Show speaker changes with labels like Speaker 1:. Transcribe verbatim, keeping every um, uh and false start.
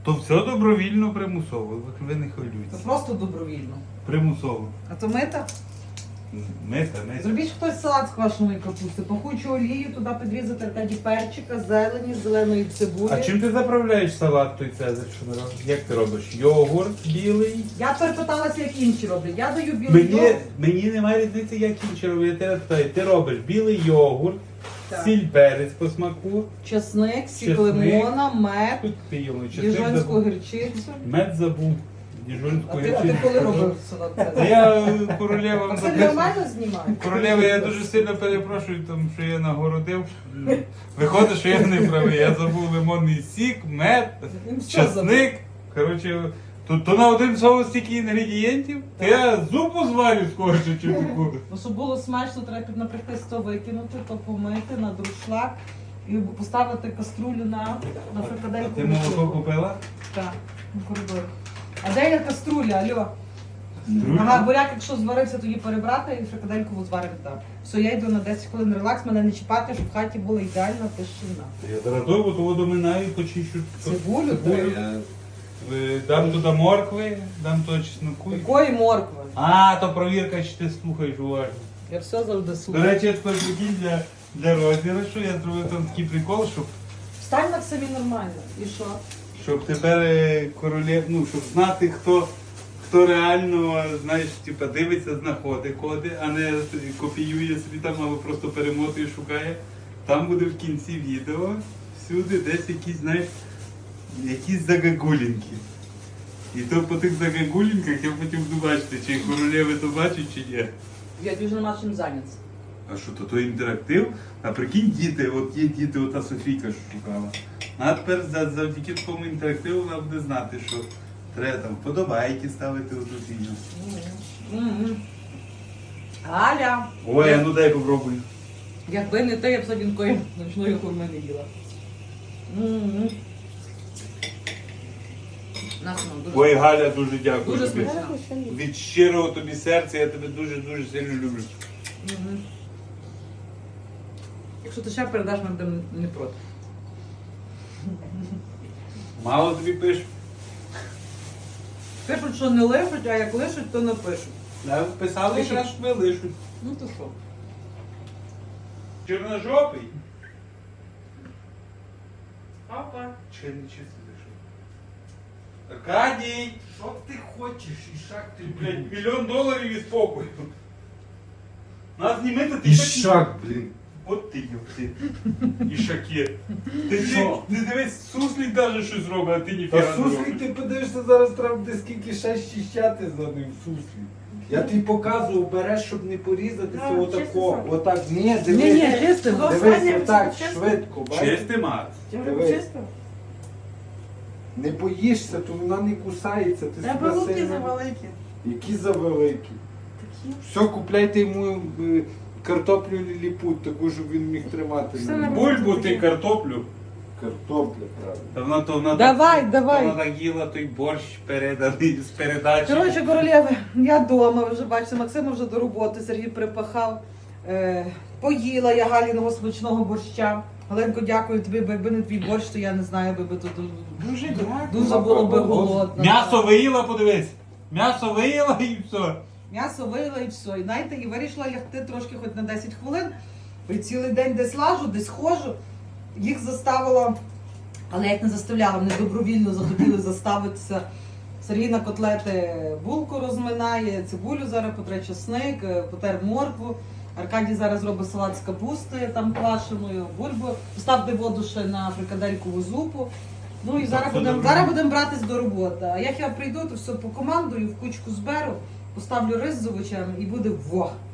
Speaker 1: То все добровільно, примусово. Ви не
Speaker 2: Це
Speaker 1: хвилюйтесь.
Speaker 2: просто добровільно.
Speaker 1: Примусово.
Speaker 2: А то мита?
Speaker 1: Мета, мета.
Speaker 2: Зробіть хтось салат з квашеної капусти, пахучу олію, туди підрізати аркаді перчика, зелені, зеленої цибулі.
Speaker 1: А чим ти заправляєш салат той цезарь, що ми робимо? Як ти робиш? Йогурт білий?
Speaker 2: Я перепиталася, як інші роблять. Я даю білий
Speaker 1: Мені,
Speaker 2: йогурт.
Speaker 1: мені немає різниці, як інші роблять. Я тебе питаю, ти робиш білий йогурт,
Speaker 2: Так.
Speaker 1: сіль перець по смаку,
Speaker 2: Чесник, сік
Speaker 1: Чесник.
Speaker 2: лимона, мед,
Speaker 1: тут ти йому
Speaker 2: діжонську гірчицю.
Speaker 1: Мед забув. Діжонську
Speaker 2: А ти, а ти коли робив салат?
Speaker 1: Та
Speaker 2: Цезарь?
Speaker 1: я е, королева
Speaker 2: А це
Speaker 1: записую.
Speaker 2: нормально знімає?
Speaker 1: Королева, я дуже сильно перепрошую, тому що я нагородив. Виходить, що я не правий. Я забув лимонний сік, мед,
Speaker 2: Він все забув.
Speaker 1: часник. Коротше, то, то на один соус стільки інгредієнтів, то я зупу зварю скорше, чи таку.
Speaker 2: Ну, щоб було смачно, треба наприклад то викинути, то помити на друшлак і поставити каструлю на, на
Speaker 1: А
Speaker 2: фрикадельку.
Speaker 1: ти молоко купила?
Speaker 2: Так, на коридор. А де є каструля, алло?
Speaker 1: Друзі?
Speaker 2: Ага, буряк, якщо зварився, тоді перебрати і фрикадельку зварити там. Все, я йду на десять хвилин релакс, мене не чіпати, щоб в хаті була ідеальна тишина.
Speaker 1: Я зараз довго того доминаю, почищу.
Speaker 2: Цибулю,
Speaker 1: Цибулю.
Speaker 2: так.
Speaker 1: Е, Дам туди моркви, дам туди чесноку.
Speaker 2: Якої моркви?
Speaker 1: А, то провірка, чи ти слухаєш уважно.
Speaker 2: Я все завжди
Speaker 1: До
Speaker 2: слухаю.
Speaker 1: речі, я тепер прикинь для, для розіграшу, я зробив там такий прикол, щоб,
Speaker 2: Встань на собі нормально. І що?
Speaker 1: щоб тепер е, королев, ну, щоб знати, хто, хто реально, знаєш, типа, дивиться, знаходить коди, а не копіює собі там або просто перемотує, шукає. Там буде в кінці відео всюди десь якісь, знаєш, якісь загагулінки. І то по тих загагулінках я потім буду бачити, чи королеви то бачать, чи ні.
Speaker 2: Я дуже нема чим зайнятися.
Speaker 1: А що, то, то інтерактив? А прикинь, діти, от є діти, ота Софійка, що шукала. А тепер за- завдяки такому інтерактиву вона буде знати, що треба там вподобайки ставити у ту фігню.
Speaker 2: М-м. Галя!
Speaker 1: Ой, а ну дай попробуй.
Speaker 2: Якби не ти, я б сьогодні такої ночної хурми не їла. М-м. Насно, дуже.
Speaker 1: Ой, Галя, дуже дякую
Speaker 2: Дуже
Speaker 1: тобі.
Speaker 2: смачно.
Speaker 1: Від щирого тобі серця я тебе дуже-дуже сильно люблю.
Speaker 2: Мгм. Якщо ти ще передаш, ми будемо не проти.
Speaker 1: Мало тобі пишу.
Speaker 2: Пишуть, що не лишуть, а як лишуть, то не пишуть.
Speaker 1: Да, писали, якраз що ви лишуть.
Speaker 2: Ну то що?
Speaker 1: Чорножопий.
Speaker 2: Папа.
Speaker 1: Чи не чисто лишив? Аркадій! Що ти хочеш? І шаг ти, блядь, мільйон доларів і спокою. Нас знімити ти
Speaker 3: Ішак, блін.
Speaker 1: От ти йопти. Ішаки. Ти
Speaker 3: Що?
Speaker 1: не дивись, суслик навіть щось робить, а ти
Speaker 3: Та
Speaker 1: ніфіга не
Speaker 3: суслі
Speaker 1: робиш.
Speaker 3: ти подивишся, зараз треба буде скільки ще щищати за ним суслі. Я тобі показував, береш, щоб не порізатися,
Speaker 4: Ну,
Speaker 3: отако.
Speaker 4: чисто
Speaker 3: Отак, ні,
Speaker 2: Ні,
Speaker 3: дивись.
Speaker 2: ні, чистимо.
Speaker 3: Дивись, отак, швидко, бачиш?
Speaker 1: Чистий мат.
Speaker 3: Дивись.
Speaker 4: Чисто?
Speaker 3: Не боїшся, то вона не кусається, ти
Speaker 4: Треба
Speaker 3: себе
Speaker 4: луки
Speaker 3: сильно...
Speaker 4: завеликі.
Speaker 3: Які завеликі.
Speaker 4: Такі.
Speaker 3: Все, купляйте йому е, картоплю ліліпут, таку, щоб він міг тримати.
Speaker 4: Все
Speaker 3: на ній.
Speaker 4: нормально.
Speaker 1: Бульбу ти картоплю.
Speaker 3: Картопля, правильно.
Speaker 1: Та вона то вона
Speaker 2: Давай,
Speaker 1: так,
Speaker 2: давай.
Speaker 1: То вона їла той борщ переданий з передачі.
Speaker 2: Коротше, королеви, я вдома, ви вже бачите, Максима вже до роботи, Сергій припахав. Е, поїла я Галіного смачного борща. Галенко, дякую тобі, бо якби не твій борщ, то я не знаю, би би тут
Speaker 4: Дуже дякую.
Speaker 2: дуже було би голодно.
Speaker 1: М'ясо виїла, подивись. М'ясо виїла і все.
Speaker 2: М'ясо вийла і все. І знаєте, і вирішила лягти трошки хоч на десять хвилин. І цілий день десь лажу, десь ходжу. Їх заставила, але я їх не заставляла, вони добровільно захотіли заставитися. Сергій на котлети булку розминає, цибулю зараз потре чесник, потер моркву. Аркадій зараз робить салат з капусти, там квашеною, бульбу. Поставте воду ще на фрикаделькову зупу. Ну і зараз
Speaker 1: Це
Speaker 2: будемо
Speaker 1: добре.
Speaker 2: зараз будемо братись до роботи. А як я прийду, то все по командою в кучку зберу, поставлю рис з овочами і буде во!